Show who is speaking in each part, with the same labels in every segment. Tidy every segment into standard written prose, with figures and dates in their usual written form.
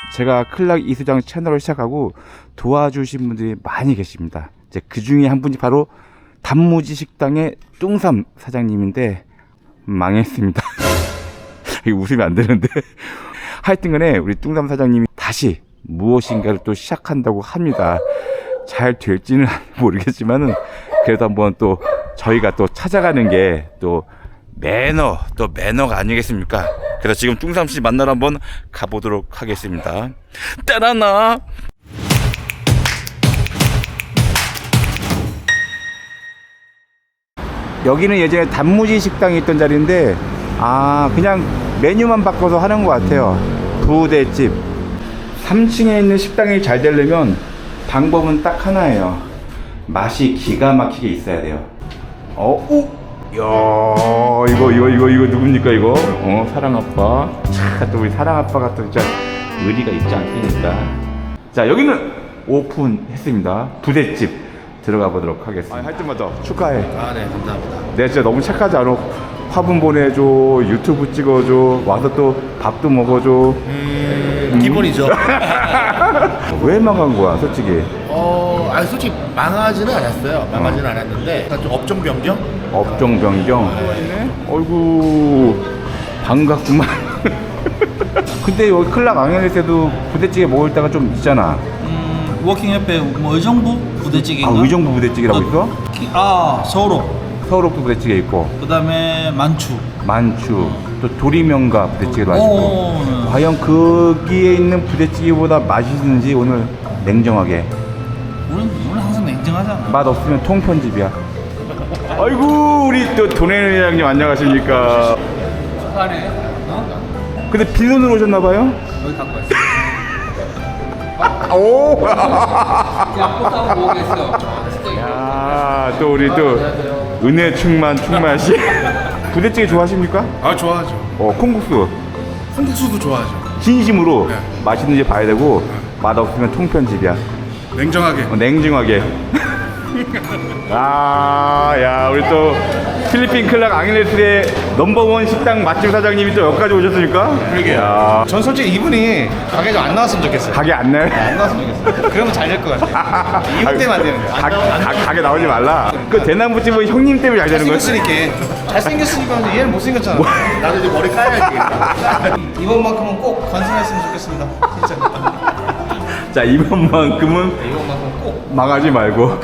Speaker 1: 제가 클락 이수장 채널을 시작하고 도와주신 분들이 많이 계십니다. 이제 그 중에 한 분이 바로 단무지 식당의 뚱삼 사장님인데 망했습니다. 이거 웃으면 안 되는데 하여튼간에 우리 뚱삼 사장님이 다시 무엇인가를 또 시작한다고 합니다. 잘 될지는 모르겠지만은 그래도 한번 또 저희가 또 찾아가는 게 또 매너가 아니겠습니까? 그래서 지금 뚱삼 씨 만나러 한번 가보도록 하겠습니다. 따라나. 여기는 예전에 단무지 식당이 있던 자리인데 그냥 메뉴만 바꿔서 하는 것 같아요. 부대집. 3층에 있는 식당이 잘 되려면 방법은 딱 하나예요. 맛이 기가 막히게 있어야 돼요. 이야, 이거 누굽니까 이거? 사랑아빠. 또 우리 사랑아빠가 또 진짜 의리가 있지 않습니까? 자, 여기는 오픈했습니다. 부대집 들어가 보도록 하겠습니다. 할 때마다 축하해.
Speaker 2: 네, 감사합니다.
Speaker 1: 내가 진짜 너무 착하지 않아? 화분 보내줘, 유튜브 찍어줘, 와서 또 밥도 먹어줘.
Speaker 2: 기본이죠.
Speaker 1: 왜 망한 거야, 솔직히?
Speaker 2: 솔직히 망하지는 않았어요. 망하지는 않았는데 약간 좀 업종 변경?
Speaker 1: 업종 변경. 어이구, 반갑구만. 근데 여기 클락 앙헬리스에도 부대찌개 먹을 때가 좀 있잖아.
Speaker 3: 워킹 옆에 뭐 의정부 부대찌개인가?
Speaker 1: 의정부 부대찌개라고 있어? 서울옥도 부대찌개 있고,
Speaker 3: 그 다음에 만추.
Speaker 1: 또 도리명가 부대찌개도 맛있고.
Speaker 3: 네.
Speaker 1: 과연 거기에 있는 부대찌개보다 맛있는지 오늘 냉정하게.
Speaker 3: 우리는 항상 냉정하잖아.
Speaker 1: 맛 없으면 통편집이야. 아이고, 우리 또 도네일 회장님 안녕하십니까?
Speaker 3: 축하하네.
Speaker 1: 근데 빈손으로 오셨나봐요?
Speaker 3: 여기 갖고 왔어.
Speaker 1: 오!
Speaker 3: 야, 꽃다운 모으겠어.
Speaker 1: 야, 또 우리 또 은혜 충만씨. 부대찌개 좋아하십니까?
Speaker 2: 좋아하죠.
Speaker 1: 콩국수.
Speaker 2: 콩국수도 좋아하죠.
Speaker 1: 진심으로
Speaker 2: 네.
Speaker 1: 맛있는지 봐야 되고, 맛 없으면 통편집이야.
Speaker 2: 냉정하게.
Speaker 1: 냉정하게. 야, 우리 또 필리핀 클락 앙헬레스의 넘버원 식당 맛집 사장님이 또 여기까지 오셨으니까.
Speaker 2: 그러게요. 전 솔직히 이분이 가게 좀 안 나왔으면 좋겠어요.
Speaker 1: 가게 안 내.
Speaker 2: 안 나왔으면 좋겠어요. 그러면 잘 될 것 같아요. 이분 때문에 안 되는 거야.
Speaker 1: 가게 나오지 말라. 그 대나무집은 형님 때문에 잘 되는 거야.
Speaker 2: 잘생겼으니까 얘는 못생겼잖아. 나도 이제 머리 까야 되겠다. 이번만큼은 꼭 완성했으면 좋겠습니다. 진짜.
Speaker 1: 자, 이번만큼은
Speaker 2: 꼭.
Speaker 1: 망하지 말고.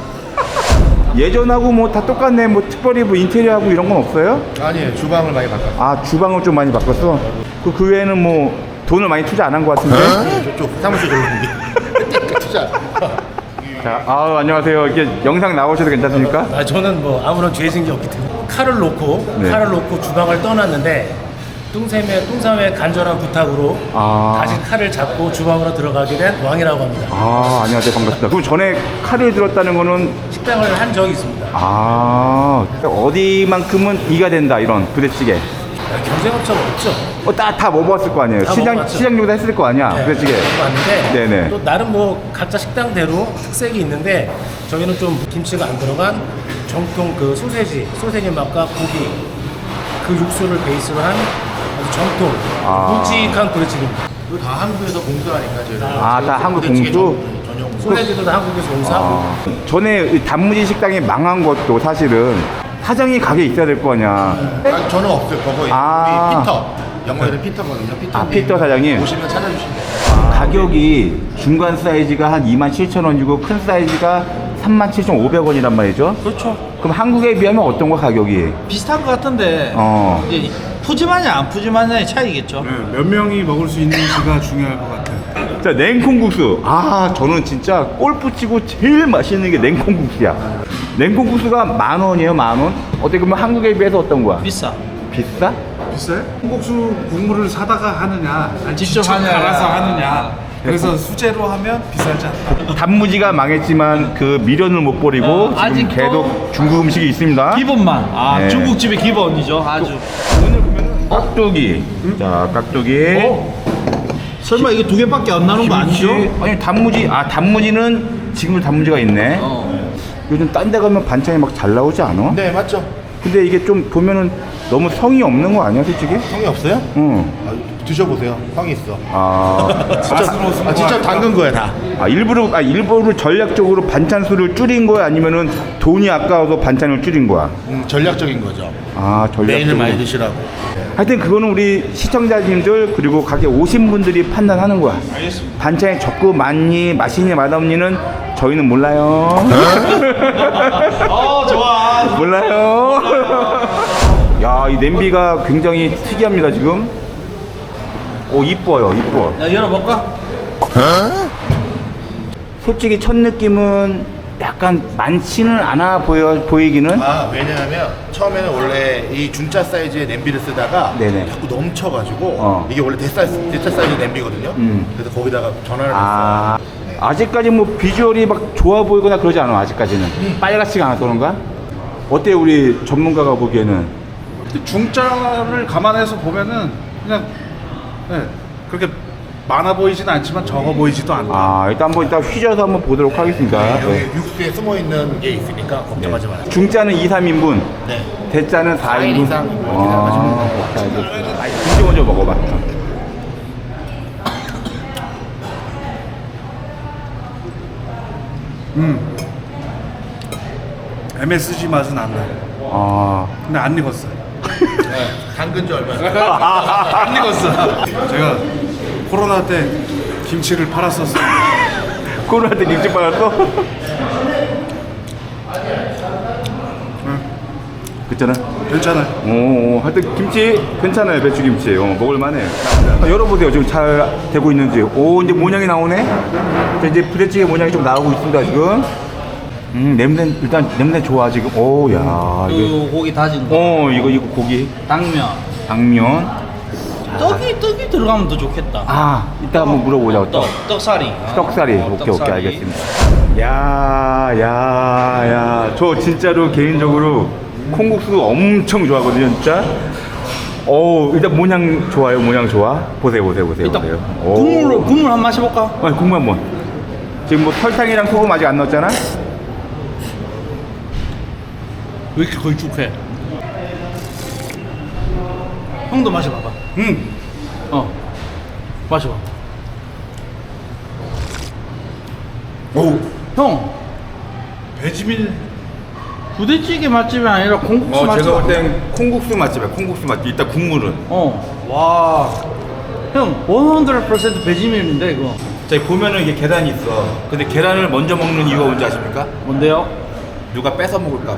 Speaker 1: 예전하고 뭐 다 똑같네. 뭐 특별히 뭐 인테리어하고 이런 건 없어요?
Speaker 2: 아니에요. 주방을 많이 바꿨어요.
Speaker 1: 주방을 좀 많이 바꿨어? 그 외에는 뭐 돈을 많이 투자 안 한 것 같은데?
Speaker 2: 저쪽 사무실 들어오는 게. 투자.
Speaker 1: 자, 안녕하세요. 이렇게 영상 나오셔도 괜찮습니까?
Speaker 4: 저는 뭐 아무런 죄 지은 게 없기 때문에 칼을 놓고 주방을 떠났는데 뚱삼의 간절한 부탁으로 다시 칼을 잡고 주방으로 들어가게 된 왕이라고 합니다.
Speaker 1: 안녕하세요. 반갑습니다. 그럼 전에 칼을 들었다는 거는
Speaker 4: 식당을 한 적이 있습니다.
Speaker 1: 어디만큼은 이가 된다, 이런 부대찌개.
Speaker 4: 경쟁 업체가 없죠.
Speaker 1: 다 먹어봤을 거 아니에요.
Speaker 4: 다
Speaker 1: 시장
Speaker 4: 먹어봤죠.
Speaker 1: 정도 했을 거 아니야, 부대찌개.
Speaker 4: 봤는데
Speaker 1: 네네.
Speaker 4: 또 나름 뭐 각자 식당대로 특색이 있는데 저희는 좀 김치가 안 들어간 정통 그 소세지 맛과 고기 그 육수를 베이스로 한 아주 정통 굵직한 부대찌개입니다.
Speaker 2: 이거 다 한국에서 공수하니까 저희가.
Speaker 1: 다 한국
Speaker 2: 부대찌개
Speaker 1: 공수?
Speaker 2: 전용.
Speaker 4: 소세지도 다 한국에서 공수하고
Speaker 1: 전에 이 단무지 식당이 망한 것도 사실은 사장이 가게에 있어야 될 거 아니야.
Speaker 2: 저는 없어요. 거기 우리 피터. 영어에는 피터거든요.
Speaker 1: 피터 사장님.
Speaker 2: 오시면 찾아주시면 돼요.
Speaker 1: 가격이 중간 사이즈가 한 27,000원이고 큰 사이즈가 37,500원이란 말이죠.
Speaker 3: 그렇죠.
Speaker 1: 그럼 한국에 비하면 어떤 거 가격이?
Speaker 3: 비슷한 것 같은데.
Speaker 1: 이제
Speaker 3: 푸짐하냐 안 푸짐하냐의 차이겠죠.
Speaker 5: 몇 명이 먹을 수 있는지가 중요할 것 같아요.
Speaker 1: 자, 냉콩국수. 저는 진짜 골프 치고 제일 맛있는 게 냉콩국수야. 냉콩국수가 10,000원이에요, 10,000원? 어떻게 보면 한국에 비해서 어떤 거야?
Speaker 3: 비싸.
Speaker 1: 비싸?
Speaker 5: 비싸요? 콩국수 국물을 사다가 하느냐, 아니
Speaker 3: 직접
Speaker 5: 직접
Speaker 3: 하느냐.
Speaker 5: 갈아서 하느냐. 그래서 수제로 하면 비싸지 않다.
Speaker 1: 단무지가 망했지만 그 미련을 못 버리고 지금
Speaker 3: 아직도
Speaker 1: 계속 중국 음식이 있습니다.
Speaker 3: 기본만.
Speaker 1: 네.
Speaker 3: 중국집의 기본이죠. 아주.
Speaker 1: 깍두기. 자, 깍두기.
Speaker 3: 설마 이게 두 개밖에 안 나오는 거 아니죠?
Speaker 1: 아니, 단무지는 지금도 단무지가 있네. 요즘 딴 데 가면 반찬이 막 잘 나오지 않아?
Speaker 2: 네, 맞죠.
Speaker 1: 근데 이게 좀 보면은 너무 성의 없는 거 아니야, 솔직히?
Speaker 6: 성이 없어요?
Speaker 1: 응.
Speaker 6: 드셔보세요. 성이 있어.
Speaker 1: 아,
Speaker 6: 진짜 담근 거야 다.
Speaker 1: 일부러 전략적으로 반찬 수를 줄인 거야? 아니면은 돈이 아까워서 반찬을 줄인 거야?
Speaker 6: 전략적인 거죠.
Speaker 1: 아,
Speaker 6: 메인을
Speaker 1: 전략적으로.
Speaker 6: 많이 드시라고.
Speaker 1: 하여튼 그거는 우리 시청자님들 그리고 가게 오신 분들이 판단하는 거야. 반찬이 적고 많니 맛있니 맛없니는 저희는 몰라요.
Speaker 3: 좋아.
Speaker 1: 몰라요. 야, 이 냄비가 굉장히 특이합니다 지금. 오, 이뻐요, 이뻐.
Speaker 3: 야, 열어볼까?
Speaker 1: 솔직히 첫 느낌은 약간 많지는 않아 보이기는.
Speaker 6: 왜냐하면 처음에는 원래 이 중짜 사이즈의 냄비를 쓰다가
Speaker 1: 네네.
Speaker 6: 자꾸 넘쳐가지고 이게 원래 대짜 사이즈 냄비거든요. 그래서 거기다가 전화를 했어요.
Speaker 1: 아직까지 뭐 비주얼이 막 좋아 보이거나 그러지 않아 아직까지는. 빨갛지가 않아서 그런가? 어때요 우리 전문가가 보기에는?
Speaker 5: 중짜를 감안해서 보면은 그냥 네, 그렇게 많아 보이진 않지만 적어 보이지도 않다.
Speaker 1: 일단 한번 이따 휘저어서 한번 보도록 하겠습니다.
Speaker 6: 여기
Speaker 1: 네.
Speaker 6: 육수에 숨어 있는 게 있으니까 걱정하지 마세요.
Speaker 1: 중짜는 2, 3인분,
Speaker 6: 네.
Speaker 1: 대짜는 4인분.
Speaker 6: 이상 이렇게 생각하시면 돼요.
Speaker 1: 자, 알겠습니다. 김치 먼저 먹어봐.
Speaker 5: MSG 맛은 안 나요. 근데 안 익었어요.
Speaker 6: 담근 지 얼마?
Speaker 5: 안 익었어. 제가 코로나 때 김치를 팔았었어요.
Speaker 1: 코로나 때 김치 빨았어? 그랬잖아.
Speaker 5: 괜찮아요.
Speaker 1: 하여튼 김치 괜찮아요. 배추김치. 먹을만해. 열어보세요. 지금 잘 되고 있는지. 오, 이제 모양이 나오네. 자, 이제 부대찌개 모양이 좀 나오고 있습니다 지금. 냄새 일단 냄새 좋아 지금. 오, 야.
Speaker 3: 그 고기 다진 거.
Speaker 1: 이거 고기. 당면.
Speaker 3: 떡이 들어가면 더 좋겠다.
Speaker 1: 이따 한번 물어보자.
Speaker 3: 떡살이.
Speaker 1: 떡살이. 오케이, 알겠습니다. 야. 저 진짜로 개인적으로 콩국수 엄청 좋아하거든요, 진짜. 일단 모양 좋아요, 모양 좋아. 보세요.
Speaker 3: 일단
Speaker 1: 오.
Speaker 3: 국물 한 마셔볼까?
Speaker 1: 국물 한번. 지금 뭐 설탕이랑 소금 아직 안 넣었잖아?
Speaker 3: 왜 이렇게 걸쭉해? 형도 마셔봐봐. 마셔봐. 형,
Speaker 5: 배지밀
Speaker 3: 부대찌개 맛집이 아니라 콩국수 맛집.
Speaker 1: 제가 볼 땐 콩국수 맛집이야, 콩국수 맛집. 이따 국물은.
Speaker 3: 와. 형, 100% 배지밀인데 이거.
Speaker 1: 자, 보면은 이게 계란이 있어. 근데 계란을 먼저 먹는 이유가 뭔지 아십니까?
Speaker 3: 뭔데요?
Speaker 1: 누가 뺏어 먹을까봐.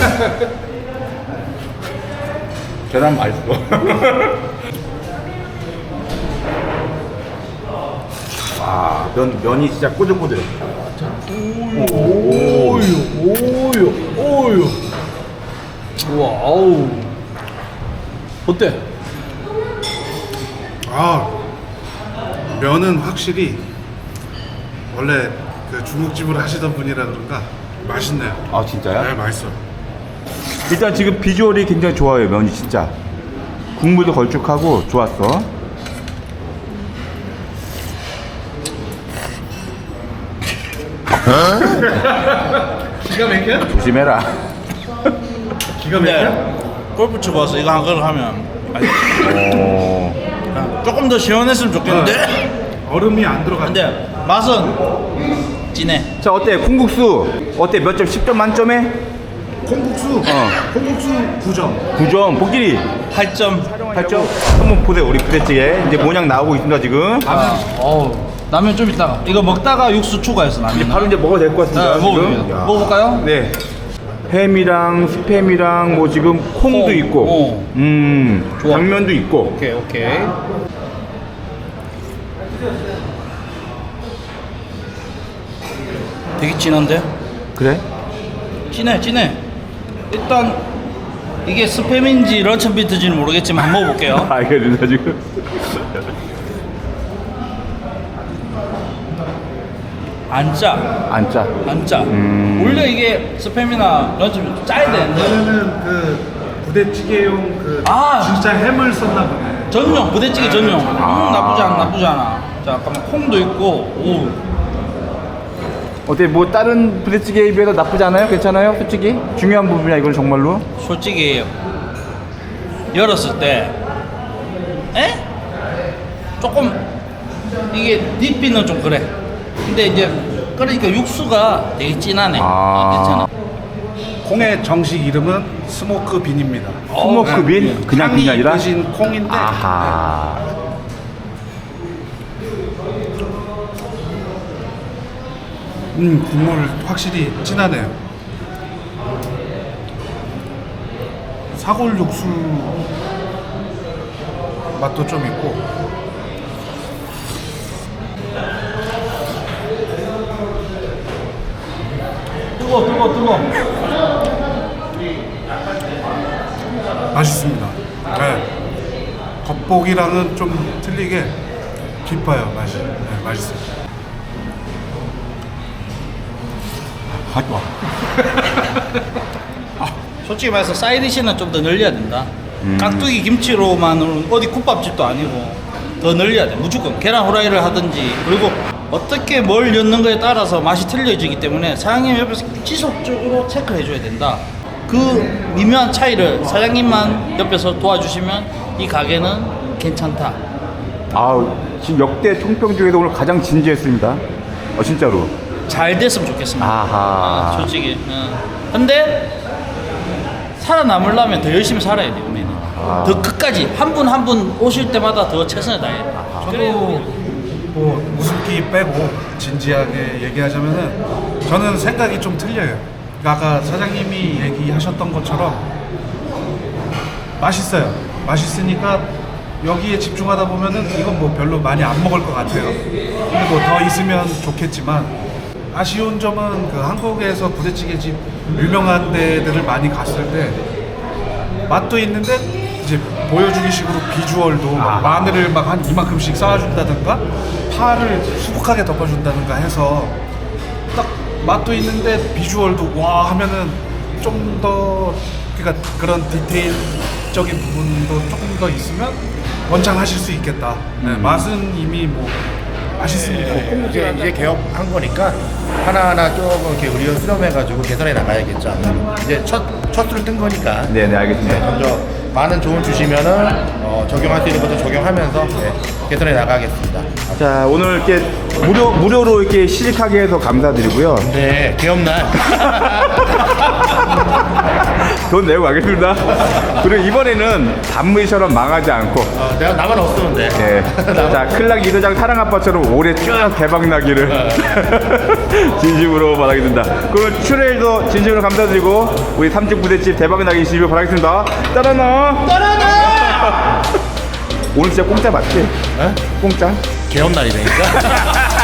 Speaker 1: 계란 맛있어. 면이 진짜 꼬들꼬들.
Speaker 3: 오유. 우와, 아우. 어때?
Speaker 5: 면은 확실히 원래 그 중국집을 하시던 분이라 그런가 맛있네요.
Speaker 1: 진짜요?
Speaker 5: 네, 맛있어.
Speaker 1: 일단 지금 비주얼이 굉장히 좋아요, 면이 진짜. 국물도 걸쭉하고 좋았어.
Speaker 5: 기가 막혀?
Speaker 1: 조심해라.
Speaker 5: 기가 막혀?
Speaker 3: 골프 치고 와서 이거 한 그릇 하면 조금 더 시원했으면 좋겠는데.
Speaker 5: 얼음이 안 들어가.
Speaker 3: 근데 맛은 진해.
Speaker 1: 자, 어때? 콩국수 어때? 몇 점? 10점 만점에?
Speaker 5: 콩국수 9점.
Speaker 1: 9점. 복길이
Speaker 3: 8점.
Speaker 1: 8점. 한번 보세요, 우리 부대찌개. 이제 모양 나오고 있습니다, 지금.
Speaker 3: 라면 좀 이따가. 이거 먹다가 육수 추가해서 라면.
Speaker 1: 이제 바로 이제 먹어도 될 것 같습니다.
Speaker 3: 네, 먹어요.
Speaker 1: 야.
Speaker 3: 먹어볼까요?
Speaker 1: 네. 햄이랑 스팸이랑 뭐 지금 콩도
Speaker 3: 콩.
Speaker 1: 있고,
Speaker 3: 좋아.
Speaker 1: 당면도 있고.
Speaker 3: 오케이. 되게 진한데?
Speaker 1: 그래?
Speaker 3: 진해. 일단 이게 스팸인지 런천비트인지는 모르겠지만 한번 먹어볼게요.
Speaker 1: 알겠습니다, 지금.
Speaker 3: 안 짜.
Speaker 1: 안 짜.
Speaker 3: 원래 이게 스팸이나 런천비트 짜야 되는데.
Speaker 5: 이거는 그 부대찌개용 그 진짜 햄을 썼나 보네.
Speaker 3: 전용 부대찌개 전용. 나쁘지 않아. 자, 잠깐만 콩도 있고.
Speaker 1: 어때? 뭐 다른 부대찌개에 비해서 나쁘지 않아요? 괜찮아요? 솔직히 중요한 부분이야 이건 정말로.
Speaker 3: 솔직히 열었을 때, 에? 조금 이게 뒷비는 좀 그래. 근데 이제 그러니까 육수가 되게 진하네. 괜찮아.
Speaker 5: 콩의 정식 이름은 스모크 빈입니다.
Speaker 1: 스모크 빈? 그냥 빈이 아니라?
Speaker 5: 대신 콩인데
Speaker 1: 아하.
Speaker 5: 국물 확실히 진하네요. 사골 육수 맛도 좀 있고.
Speaker 3: 뜨거.
Speaker 5: 맛있습니다. 네. 겉보기랑은 좀 틀리게 깊어요, 맛이. 네, 맛있어요.
Speaker 3: 솔직히 말해서 사이드시는 좀 더 늘려야 된다. 깍두기 김치로만은 어디 국밥집도 아니고 더 늘려야 돼. 무조건 계란 후라이를 하든지. 그리고 어떻게 뭘 넣는 거에 따라서 맛이 틀려지기 때문에 사장님 옆에서 지속적으로 체크해 줘야 된다. 그 미묘한 차이를 사장님만 옆에서 도와주시면 이 가게는 괜찮다.
Speaker 1: 아, 지금 역대 총평 중에서 오늘 가장 진지했습니다. 진짜로.
Speaker 3: 잘 됐으면 좋겠습니다.
Speaker 1: 아하.
Speaker 3: 솔직히. 근데 살아남으려면 더 열심히 살아야 돼요, 우리는. 더 끝까지 한 분 한 분 오실 때마다 더 최선을 다해야 돼.
Speaker 5: 저도 뭐 웃음기 빼고 진지하게 얘기하자면은 저는 생각이 좀 틀려요. 그러니까 아까 사장님이 얘기하셨던 것처럼 맛있어요. 맛있으니까 여기에 집중하다 보면은 이건 뭐 별로 많이 안 먹을 것 같아요. 근데 뭐 더 있으면 좋겠지만 아쉬운 점은 그 한국에서 부대찌개집 유명한 데들을 많이 갔을 때 맛도 있는데 이제 보여주기 식으로 비주얼도 막 마늘을 막 한 이만큼씩 쌓아준다든가 파를 수북하게 덮어준다든가 해서 딱 맛도 있는데 비주얼도 와 하면은 좀 더 그러니까 그런 디테일적인 부분도 조금 더 있으면 원창하실 수 있겠다. 네, 맛은 이미 뭐 맛있습니다.
Speaker 6: 이제 개업한 거니까 하나하나 조금 이렇게 우리가 수렴해가지고 개선해 나가야겠죠. 이제 첫 수를 뜬 거니까.
Speaker 1: 네네, 알겠습니다.
Speaker 6: 먼저 많은 조언 주시면은 적용할 수 있는 것도 적용하면서 개선해 나가겠습니다.
Speaker 1: 자, 오늘 이렇게 무료로 이렇게 시식하게 해서 감사드리고요.
Speaker 6: 네, 개업날.
Speaker 1: 돈 내고 가겠습니다. 그리고 이번에는 단무지처럼 망하지 않고,
Speaker 6: 내가 나만 없으면 돼.
Speaker 1: 네. 자, 클락 이도장 사랑 아빠처럼 올해 쭉 대박 나기를 진심으로 바라겠습니다. 그럼 출연해서 진심으로 감사드리고 우리 삼층 부대집 대박 나기 진심으로 바라겠습니다. 따라나. 오늘 진짜 공짜 맞지?
Speaker 6: 네?
Speaker 1: 공짜?
Speaker 6: 개업날이라니까.